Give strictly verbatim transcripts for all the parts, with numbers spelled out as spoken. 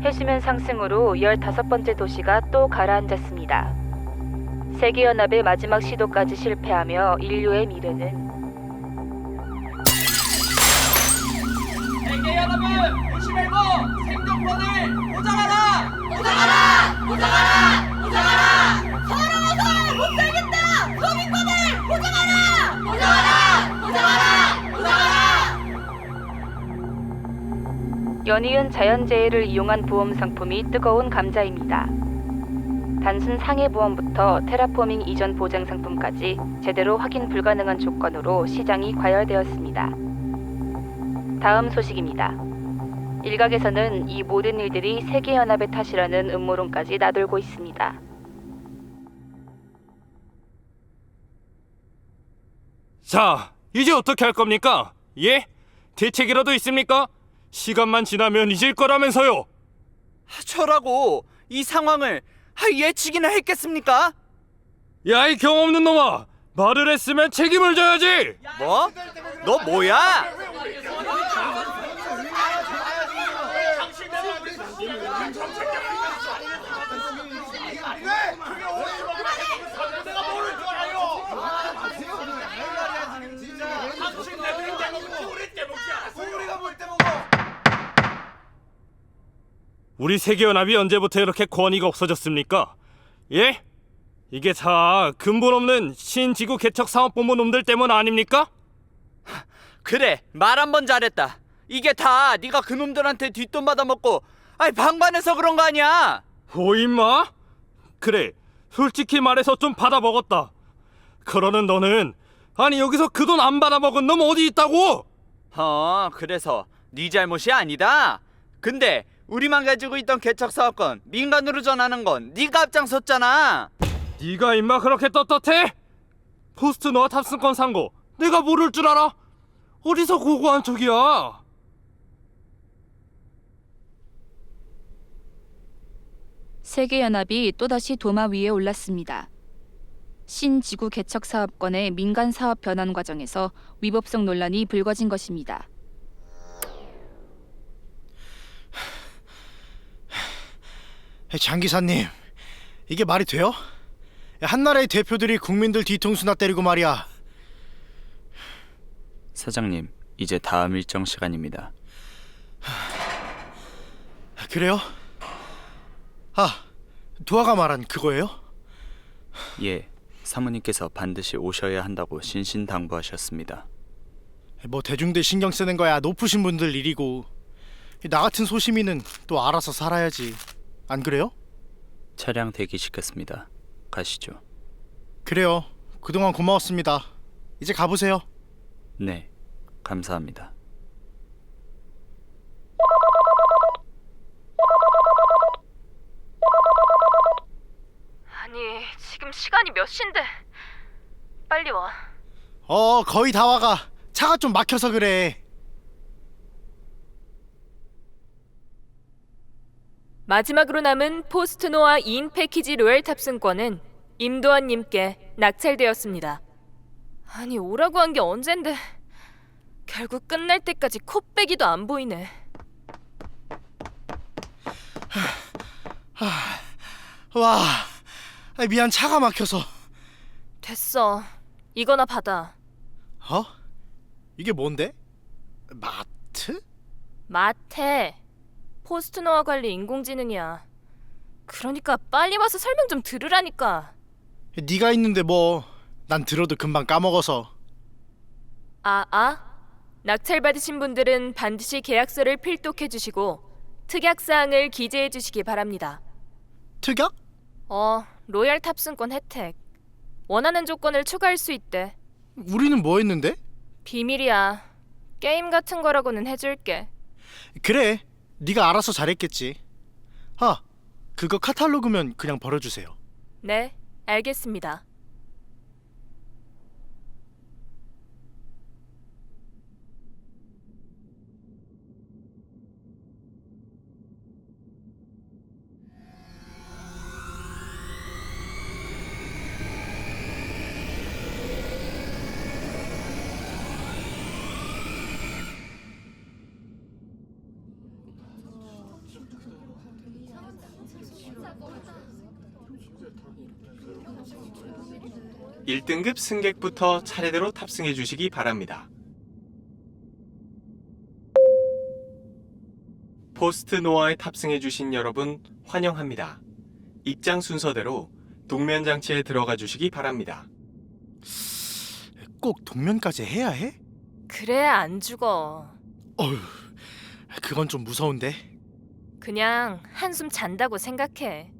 해수면 상승으로 열다섯 번째 도시가 또 가라앉았습니다. 세계연합의 마지막 시도까지 실패하며 인류의 미래는 세계연합은 무시 말고 생존권을 보장하라! 보장하라! 보장하라! 보장하라! 살아나서 못 살겠다! 서민권을 보장하라! 보장하라! 보장하라! 보장하라! 연이은 자연재해를 이용한 보험 상품이 뜨거운 감자입니다. 단순 상해보험부터 테라포밍 이전 보장 상품까지 제대로 확인 불가능한 조건으로 시장이 과열되었습니다. 다음 소식입니다. 일각에서는 이 모든 일들이 세계연합의 탓이라는 음모론까지 나돌고 있습니다. 자, 이제 어떻게 할 겁니까? 예? 대책이라도 있습니까? 시간만 지나면 잊을 거라면서요. 저라고 이 상황을 예측이나 했겠습니까? 야, 이 경험 없는 놈아! 말을 했으면 책임을 져야지! 뭐? 너 뭐야? 우리 세계연합이 언제부터 이렇게 권위가 없어졌습니까? 예? 이게 다 근본 없는 신지구 개척 사업본부 놈들 때문 아닙니까? 그래, 말 한 번 잘했다. 이게 다 네가 그놈들한테 뒷돈 받아먹고 아니 방관해서 그런 거 아니야? 오, 임마? 그래, 솔직히 말해서 좀 받아먹었다. 그러는 너는 아니 여기서 그 돈 안 받아먹은 놈 어디 있다고? 어, 그래서 네 잘못이 아니다. 근데 우리만 가지고 있던 개척 사업권 민간으로 전하는 건 네가 앞장섰잖아. 네가 임마 그렇게 떳떳해? 포스트노아 탑승권 산 거 내가 모를 줄 알아? 어디서 고고한 척이야? 세계연합이 또다시 도마 위에 올랐습니다. 신지구 개척 사업권의 민간 사업 변환 과정에서 위법성 논란이 불거진 것입니다. 장 기사님, 이게 말이 돼요? 한나라의 대표들이 국민들 뒤통수나 때리고 말이야. 사장님, 이제 다음 일정 시간입니다. 그래요? 아, 도아가 말한 그거예요? 예, 사모님께서 반드시 오셔야 한다고 신신당부하셨습니다. 뭐 대중들 신경 쓰는 거야 높으신 분들 일이고, 나 같은 소시민은 또 알아서 살아야지. 안 그래요? 차량 대기시켰습니다. 가시죠. 그래요. 그동안 고마웠습니다. 이제 가보세요. 네, 감사합니다. 아니, 지금 시간이 몇 시인데? 빨리 와. 어, 거의 다 와가. 차가 좀 막혀서 그래. 마지막으로 남은 포스트노아 이 인 패키지 로얄 탑승권은 임도환님께 낙찰되었습니다. 아니, 오라고 한 게 언젠데 결국 끝날 때까지 코빼기도 안 보이네. 와, 아, 미안, 차가 막혀서. 됐어. 이거나 받아. 어? 이게 뭔데? 마트? 마태. 포스트노아 관리 인공지능이야. 그러니까 빨리 와서 설명 좀 들으라니까. 네가 있는데 뭐. 난 들어도 금방 까먹어서. 아, 아? 낙찰 받으신 분들은 반드시 계약서를 필독해 주시고 특약사항을 기재해 주시기 바랍니다. 특약? 어, 로얄 탑승권 혜택. 원하는 조건을 추가할 수 있대. 우리는 뭐 했는데? 비밀이야. 게임 같은 거라고는 해줄게. 그래, 네가 알아서 잘했겠지. 아, 그거 카탈로그면 그냥 버려주세요. 네, 알겠습니다. 일 등급 승객부터 차례대로 탑승해 주시기 바랍니다. 포스트 노아에 탑승해 주신 여러분 환영합니다. 입장 순서대로 동면 장치에 들어가 주시기 바랍니다. 꼭 동면까지 해야 해? 그래야 안 죽어. 어휴, 그건 좀 무서운데. 그냥 한숨 잔다고 생각해.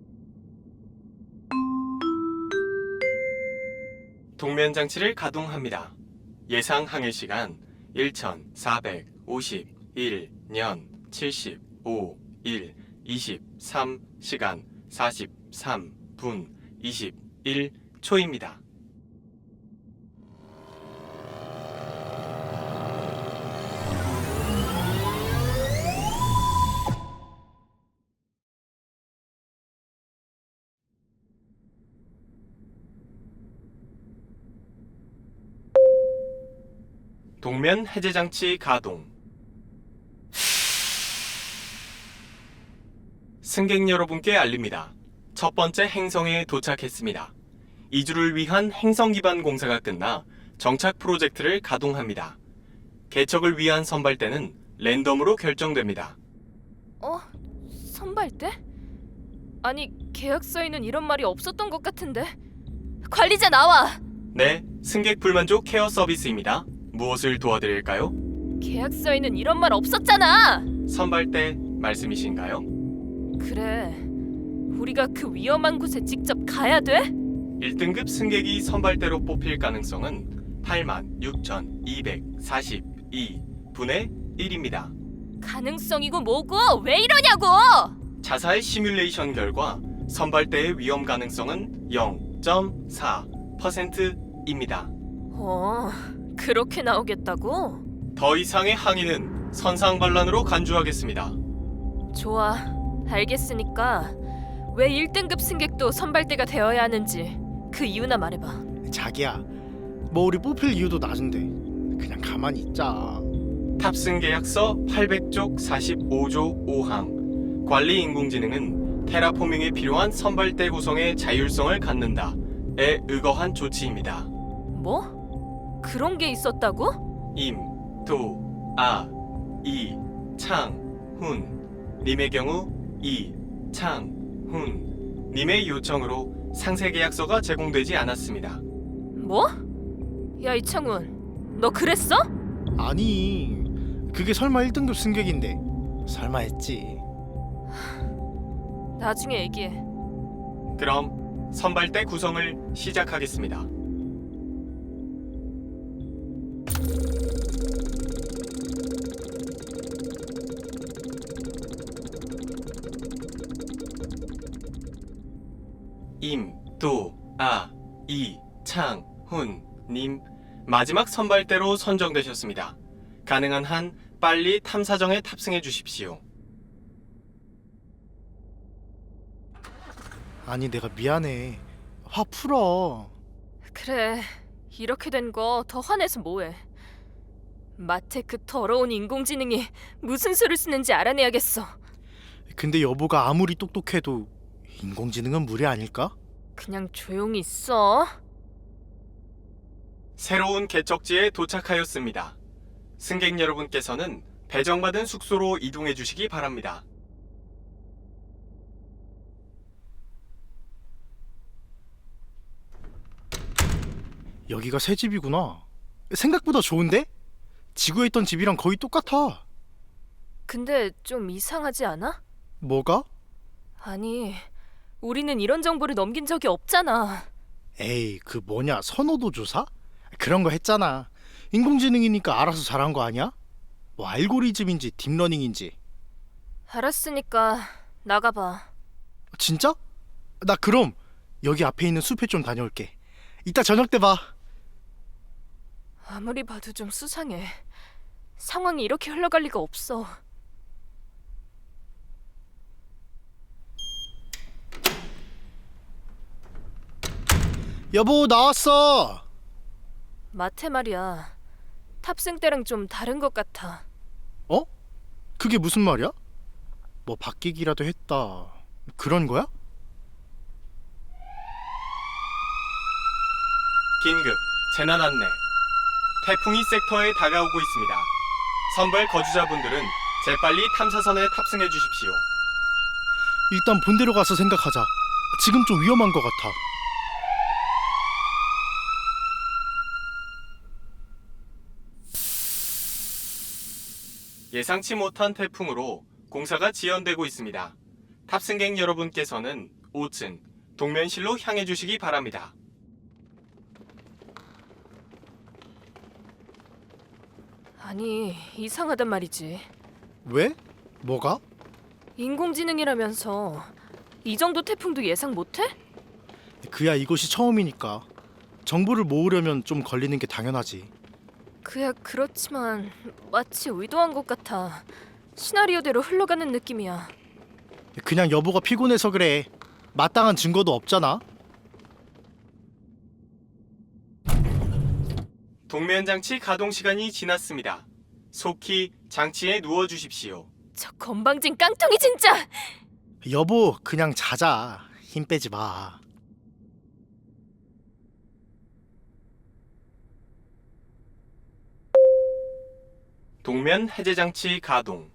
동면 장치를 가동합니다. 예상 항해 시간 천사백오십일 년 칠십오 일 이십삼 시간 사십삼 분 이십일 초입니다. 동면 해제 장치 가동. 승객 여러분께 알립니다. 첫 번째 행성에 도착했습니다. 이주를 위한 행성 기반 공사가 끝나 정착 프로젝트를 가동합니다. 개척을 위한 선발대는 랜덤으로 결정됩니다. 어? 선발대? 아니 계약서에는 이런 말이 없었던 것 같은데. 관리자 나와! 네, 승객 불만족 케어 서비스입니다. 무엇을 도와드릴까요? 계약서에는 이런 말 없었잖아! 선발대 말씀이신가요? 그래, 우리가 그 위험한 곳에 직접 가야 돼? 일 등급 승객이 선발대로 뽑힐 가능성은 팔만 육천이백사십이 분의 일입니다. 가능성이고 뭐고 왜 이러냐고! 자사의 시뮬레이션 결과 선발대의 위험 가능성은 영 점 사 퍼센트입니다. 어, 그렇게 나오겠다고? 더 이상의 항의는 선상반란으로 간주하겠습니다. 좋아, 알겠으니까 왜 일 등급 승객도 선발대가 되어야 하는지 그 이유나 말해봐. 자기야, 뭐 우리 뽑힐 이유도 낮은데 그냥 가만히 있자. 탑승 계약서 팔백 쪽 사십오 조 오 항. 관리 인공지능은 테라포밍에 필요한 선발대 구성의 자율성을 갖는다에 의거한 조치입니다. 뭐? 그런 게 있었다고? 임, 도, 아, 이, 창, 훈 님의 경우 이, 창, 훈 님의 요청으로 상세 계약서가 제공되지 않았습니다. 뭐? 야 이창훈, 너 그랬어? 아니, 그게 설마 일 등급 승객인데 설마 했지. 나중에 얘기해. 그럼 선발대 구성을 시작하겠습니다. 임, 도, 아, 이, 창, 훈 님 마지막 선발대로 선정되셨습니다. 가능한 한 빨리 탐사정에 탑승해 주십시오. 아니, 내가 미안해. 화 풀어. 그래, 이렇게 된 거 더 화내서 뭐해. 마태 그 더러운 인공지능이 무슨 수를 쓰는지 알아내야겠어. 근데 여보가 아무리 똑똑해도 인공지능은 무리 아닐까? 그냥 조용히 있어. 새로운 개척지에 도착하였습니다. 승객 여러분께서는 배정받은 숙소로 이동해 주시기 바랍니다. 여기가 새 집이구나. 생각보다 좋은데? 지구에 있던 집이랑 거의 똑같아. 근데 좀 이상하지 않아? 뭐가? 아니, 우리는 이런 정보를 넘긴 적이 없잖아. 에이, 그 뭐냐, 선호도 조사? 그런 거 했잖아. 인공지능이니까 알아서 잘한 거 아니야? 뭐 알고리즘인지 딥러닝인지. 알았으니까 나가봐. 진짜? 나 그럼 여기 앞에 있는 숲에 좀 다녀올게. 이따 저녁 때 봐. 아무리 봐도 좀 수상해. 상황이 이렇게 흘러갈 리가 없어. 여보, 나왔어. 마태 말이야. 탑승 때랑 좀 다른 것 같아. 어? 그게 무슨 말이야? 뭐 바뀌기라도 했다, 그런 거야? 긴급 재난 안내. 태풍이 섹터에 다가오고 있습니다. 선발 거주자분들은 재빨리 탐사선에 탑승해 주십시오. 일단 본대로 가서 생각하자. 지금 좀 위험한 것 같아. 예상치 못한 태풍으로 공사가 지연되고 있습니다. 탑승객 여러분께서는 오 층 동면실로 향해 주시기 바랍니다. 아니, 이상하단 말이지. 왜? 뭐가? 인공지능이라면서 이 정도 태풍도 예상 못해? 그야 이곳이 처음이니까. 정보를 모으려면 좀 걸리는 게 당연하지. 그야 그렇지만 마치 의도한 것 같아. 시나리오대로 흘러가는 느낌이야. 그냥 여보가 피곤해서 그래. 마땅한 증거도 없잖아. 동면 장치 가동 시간이 지났습니다. 속히 장치에 누워 주십시오. 저 건방진 깡통이 진짜! 여보, 그냥 자자. 힘 빼지 마. 동면 해제 장치 가동.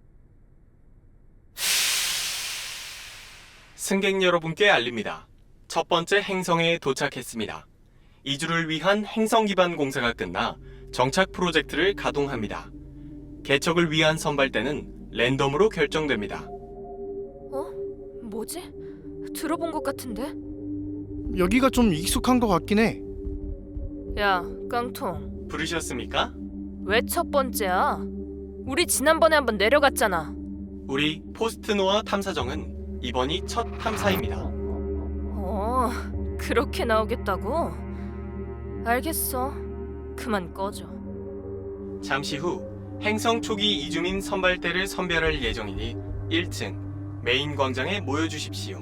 승객 여러분께 알립니다. 첫 번째 행성에 도착했습니다. 이주를 위한 행성 기반 공사가 끝나 정착 프로젝트를 가동합니다. 개척을 위한 선발대는 랜덤으로 결정됩니다. 어? 뭐지? 들어본 것 같은데? 여기가 좀 익숙한 것 같긴 해. 야, 깡통. 부르셨습니까? 왜 첫 번째야? 우리 지난번에 한번 내려갔잖아. 우리 포스트노아 탐사정은 이번이 첫 탐사입니다. 어, 그렇게 나오겠다고? 알겠어. 그만 꺼져. 잠시 후 행성 초기 이주민 선발대를 선별할 예정이니 일 층 메인 광장에 모여주십시오.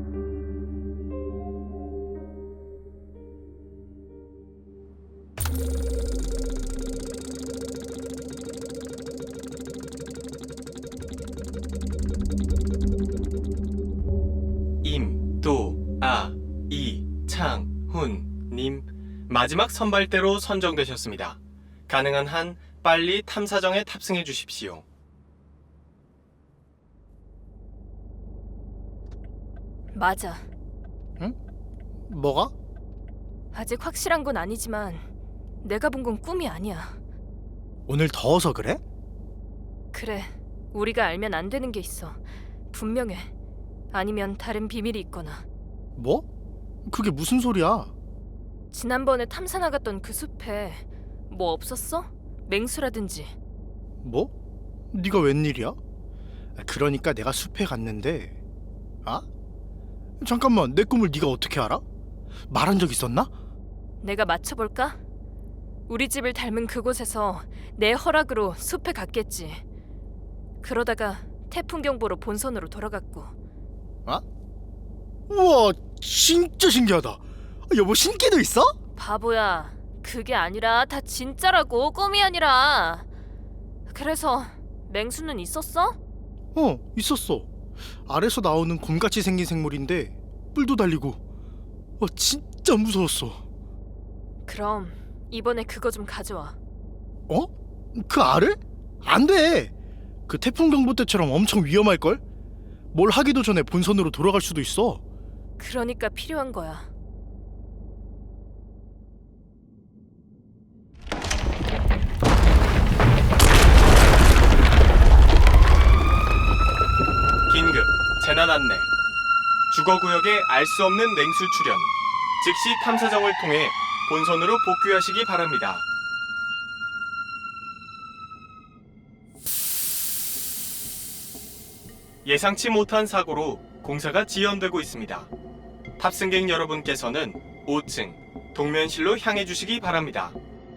임도아 이창훈님 마지막 선발대로 선정되셨습니다. 가능한 한 빨리 탐사정에 탑승해 주십시오. 맞아. 뭐가? 아직 확실한 건 아니지만 내가 본 건 꿈이 아니야. 오늘 더워서 그래? 그래, 우리가 알면 안 되는 게 있어. 분명해. 아니면 다른 비밀이 있거나. 뭐? 그게 무슨 소리야? 지난번에 탐사 나갔던 그 숲에 뭐 없었어? 맹수라든지. 뭐? 네가 웬일이야? 그러니까 내가 숲에 갔는데. 아? 잠깐만, 내 꿈을 네가 어떻게 알아? 말한 적 있었나? 내가 맞춰볼까? 우리 집을 닮은 그곳에서 내 허락으로 숲에 갔겠지. 그러다가 태풍 경보로 본선으로 돌아갔고. 우와, 진짜 신기하다. 여보, 신기도 있어? 바보야, 그게 아니라 다 진짜라고, 꿈이 아니라. 그래서 맹수는 있었어? 어, 있었어. 알에서 나오는 곰같이 생긴 생물인데 뿔도 달리고. 와, 진짜 무서웠어. 그럼 이번에 그거 좀 가져와. 어? 그 알을? 안 돼. 그 태풍 경보 때처럼 엄청 위험할걸? 뭘 하기도 전에 본선으로 돌아갈 수도 있어. 그러니까 필요한 거야. 긴급 재난 안내. 주거구역에 알 수 없는 맹수 출현. 즉시 탐사정을 통해 본선으로 복귀하시기 바랍니다. 예상치 못한 사고로 공사가 지연되고 있습니다. 탑승객 여러분께서는 오 층 동면실로 향해 주시기 바랍니다.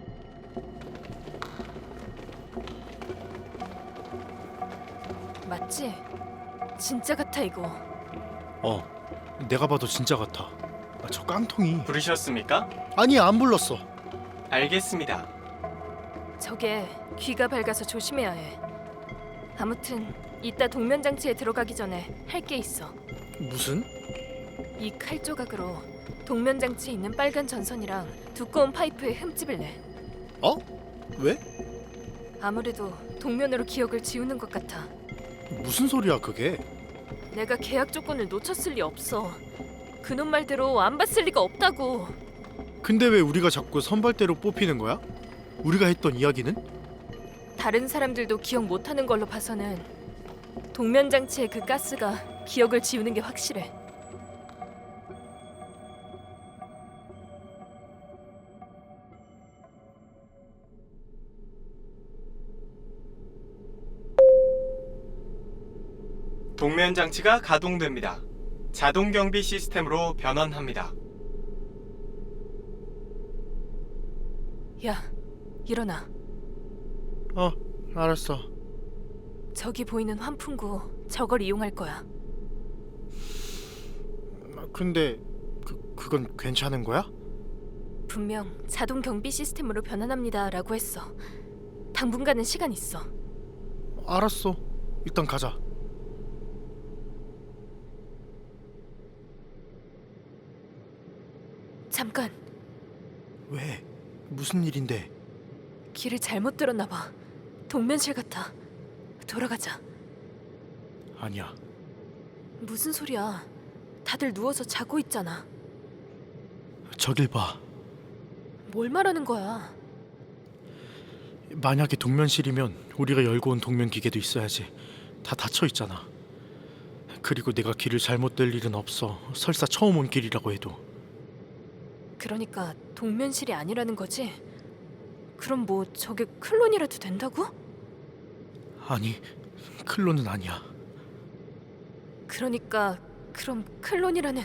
맞지? 진짜 같아 이거. 어, 내가 봐도 진짜 같아. 아, 저 깡통이. 부르셨습니까? 아니, 안 불렀어. 알겠습니다. 저게 귀가 밝아서 조심해야 해. 아무튼 이따 동면 장치에 들어가기 전에 할 게 있어. 무슨? 이 칼 조각으로 동면 장치에 있는 빨간 전선이랑 두꺼운 파이프에 흠집을 내. 어? 왜? 아무래도 동면으로 기억을 지우는 것 같아. 무슨 소리야 그게? 내가 계약 조건을 놓쳤을 리 없어. 그놈 말대로 안 봤을 리가 없다고. 근데 왜 우리가 자꾸 선발대로 뽑히는 거야? 우리가 했던 이야기는? 다른 사람들도 기억 못하는 걸로 봐서는 동면 장치의 그 가스가 기억을 지우는 게 확실해. 동면 장치가 가동됩니다. 자동 경비 시스템으로 변환합니다. 야, 일어나. 어, 알았어. 저기 보이는 환풍구, 저걸 이용할 거야. 근데 그 그건 괜찮은 거야? 분명 자동 경비 시스템으로 변환합니다라고 했어. 당분간은 시간 있어. 알았어. 일단 가자. 잠깐, 왜? 무슨 일인데? 길을 잘못 들었나 봐. 동면실 같아. 돌아가자. 아니야. 무슨 소리야? 다들 누워서 자고 있잖아. 저길 봐. 뭘 말하는 거야? 만약에 동면실이면 우리가 열고 온 동면 기계도 있어야지. 다 닫혀 있잖아. 그리고 내가 길을 잘못 들 일은 없어. 설사 처음 온 길이라고 해도. 그러니까 동면실이 아니라는 거지? 그럼 뭐 저게 클론이라도 된다고? 아니, 클론은 아니야. 그러니까 그럼 클론이라는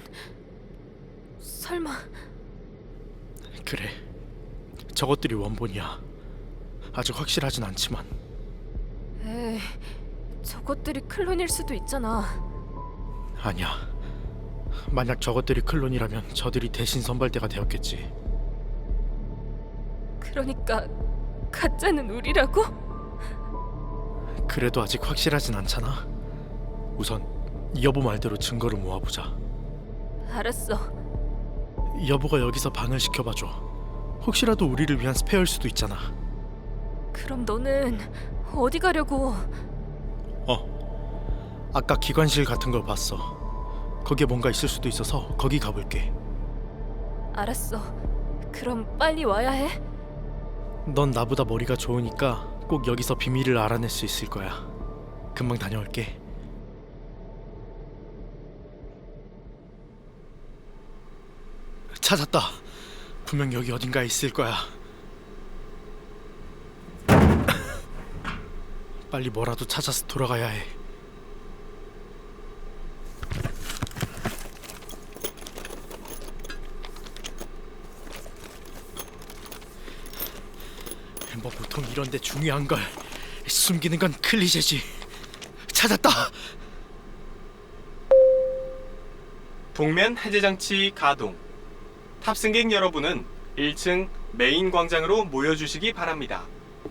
설마 그래. 저것들이 원본이야. 아직 확실하진 않지만. 에이, 저것들이 클론일 수도 있잖아. 아니야. 만약 저것들이 클론이라면 저들이 대신 선발대가 되었겠지. 그러니까 가짜는 우리라고? 그래도 아직 확실하진 않잖아. 우선 여보 말대로 증거를 모아보자. 알았어. 여보가 여기서 방을 시켜봐줘. 혹시라도 우리를 위한 스페어일 수도 있잖아. 그럼 너는 어디 가려고? 어, 아까 기관실 같은 걸 봤어. 거기에 뭔가 있을 수도 있어서 거기 가볼게. 알았어. 그럼 빨리 와야 해? 넌 나보다 머리가 좋으니까 꼭 여기서 비밀을 알아낼 수 있을 거야. 금방 다녀올게. 찾았다. 분명 여기 어딘가에 있을 거야. 빨리 뭐라도 찾아서 돌아가야 해. 뭐 보통 이런데 중요한 걸 숨기는 건 클리셰지. 찾았다. 동면 해제 장치 가동. 탑승객 여러분은 일 층 메인 광장으로 모여주시기 바랍니다.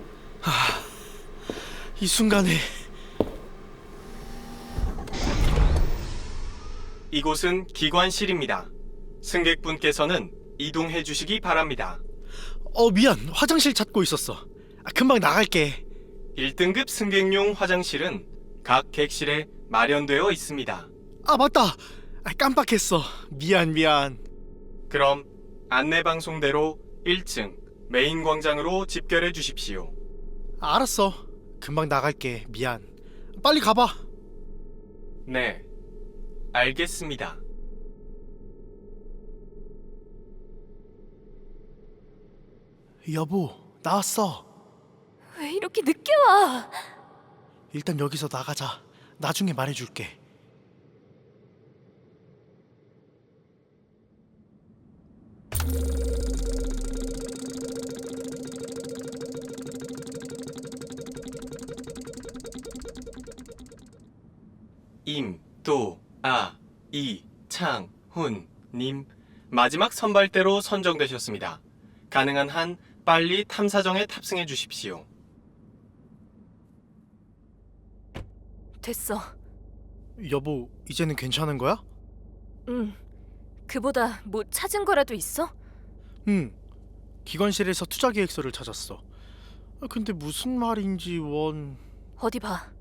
이 순간에 이곳은 기관실입니다. 승객분께서는 이동해 주시기 바랍니다. 어 미안. 화장실 찾고 있었어. 아, 금방 나갈게. 일 등급 승객용 화장실은 각 객실에 마련되어 있습니다. 아 맞다. 아, 깜빡했어. 미안 미안. 그럼 안내 방송대로 일 층 메인 광장으로 집결해 주십시오. 알았어. 금방 나갈게. 미안. 빨리 가봐. 네, 알겠습니다. 여보, 나왔어. 왜 이렇게 늦게 와? 일단 여기서 나가자. 나중에 말해줄게. 임도아이창훈님 마지막 선발대로 선정되셨습니다. 가능한 한 빨리 탐사정에 탑승해 주십시오. 됐어. 여보, 이제는 괜찮은 거야? 응. 그보다 뭐 찾은 거라도 있어? 응. 기관실에서 투자 계획서를 찾았어. 아, 근데 무슨 말인지 원... 어디 봐.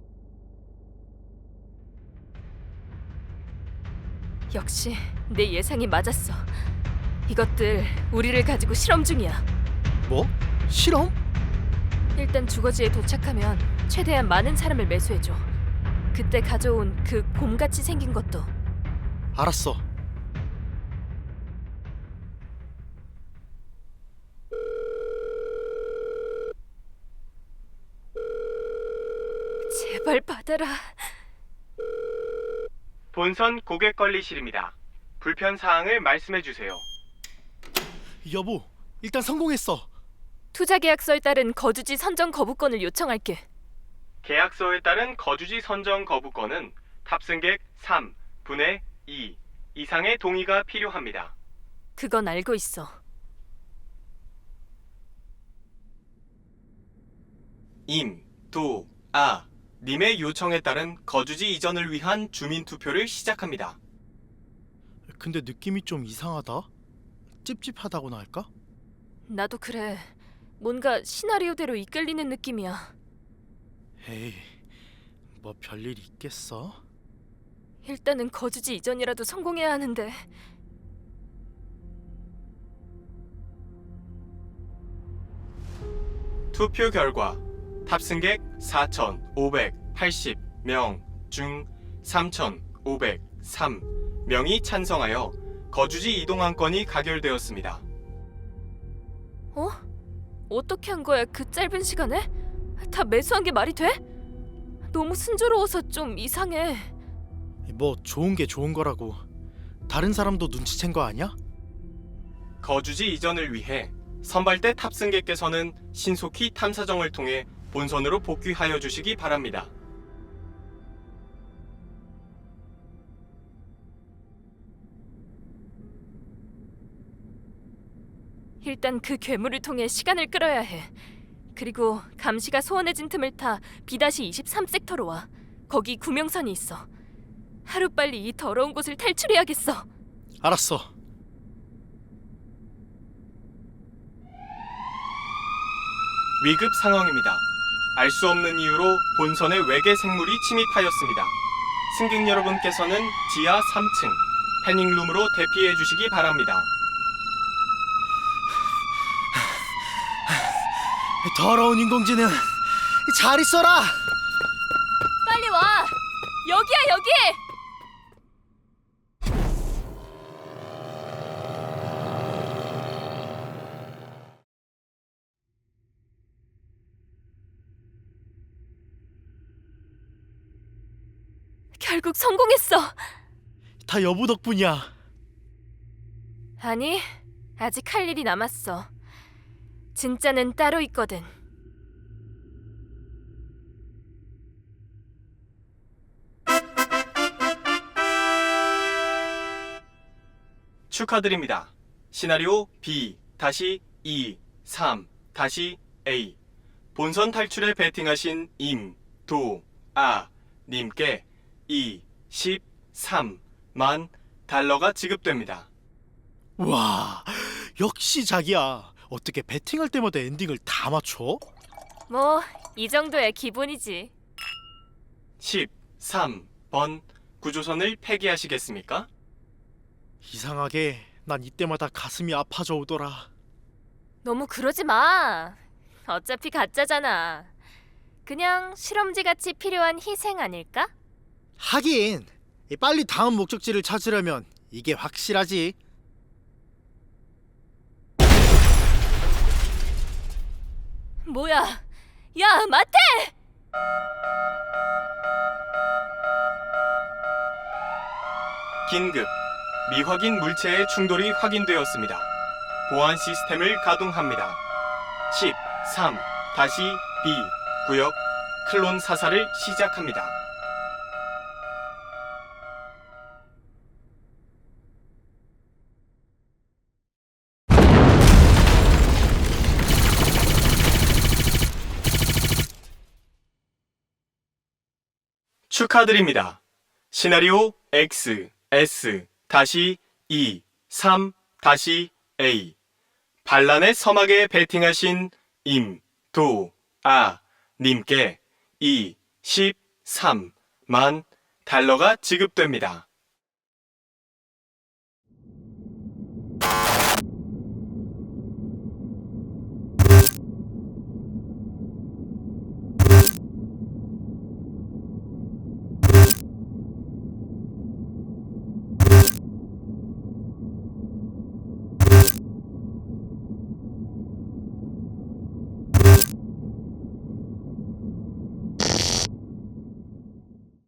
역시 내 예상이 맞았어. 이것들 우리를 가지고 실험 중이야. 뭐? 실험? 일단 주거지에 도착하면 최대한 많은 사람을 매수해줘. 그때 가져온 그 곰같이 생긴 것도. 알았어. 제발 받아라. 본선 고객 관리실입니다. 불편 사항을 말씀해 주세요. 여보, 일단 성공했어. 투자 계약서에 따른 거주지 선정 거부권을 요청할게. 계약서에 따른 거주지 선정 거부권은 탑승객 삼분의 이 이상의 동의가 필요합니다. 그건 알고 있어. 임, 도, 아 님의 요청에 따른 거주지 이전을 위한 주민 투표를 시작합니다. 근데 느낌이 좀 이상하다. 찝찝하다고나 할까? 나도 그래. 뭔가 시나리오대로 이끌리는 느낌이야. 에이, 뭐 별일 있겠어? 일단은 거주지 이전이라도 성공해야 하는데. 투표 결과 탑승객 사천오백팔십 명 중 삼천오백삼 명이 찬성하여 거주지 이동안 건이 가결되었습니다. 어? 어떻게 한 거야 그 짧은 시간에? 다 매수한 게 말이 돼? 너무 순조로워서 좀 이상해. 뭐 좋은 게 좋은 거라고. 다른 사람도 눈치챈 거 아니야? 거주지 이전을 위해 선발대 탑승객께서는 신속히 탐사정을 통해 본선으로 복귀하여 주시기 바랍니다. 일단 그 괴물을 통해 시간을 끌어야 해. 그리고 감시가 소원해진 틈을 타 비 이십삼 섹터로 와. 거기 구명선이 있어. 하루빨리 이 더러운 곳을 탈출해야겠어. 알았어. 위급 상황입니다. 알 수 없는 이유로 본선에 외계 생물이 침입하였습니다. 승객 여러분께서는 지하 삼 층 패닝룸으로 대피해 주시기 바랍니다. 더러운 인공지능, 잘 있어라. 빨리 와. 여기야 여기. 결국 성공했어. 다 여보 덕분이야. 아니, 아직 할 일이 남았어. 진짜는 따로 있거든. 축하드립니다. 시나리오 비 이 삼 에이 본선 탈출에 베팅하신 임, 도, 아 님께 이십삼만 달러가 지급됩니다. 와, 역시 자기야. 어떻게 배팅할 때마다 엔딩을 다 맞춰? 뭐, 이 정도야 기본이지. 십삼 번 구조선을 폐기하시겠습니까? 이상하게 난 이때마다 가슴이 아파져 오더라. 너무 그러지 마. 어차피 가짜잖아. 그냥 실험지 같이 필요한 희생 아닐까? 하긴 빨리 다음 목적지를 찾으려면 이게 확실하지. 뭐야? 야, 마태! 긴급 미확인 물체의 충돌이 확인되었습니다. 보안 시스템을 가동합니다. 십삼 비 구역 클론 사살을 시작합니다. 축하드립니다. 시나리오 엑스 에스 이, 삼, A. 반란의 서막에 베팅하신 임, 도, 아, 님께 이십삼만 달러가 지급됩니다.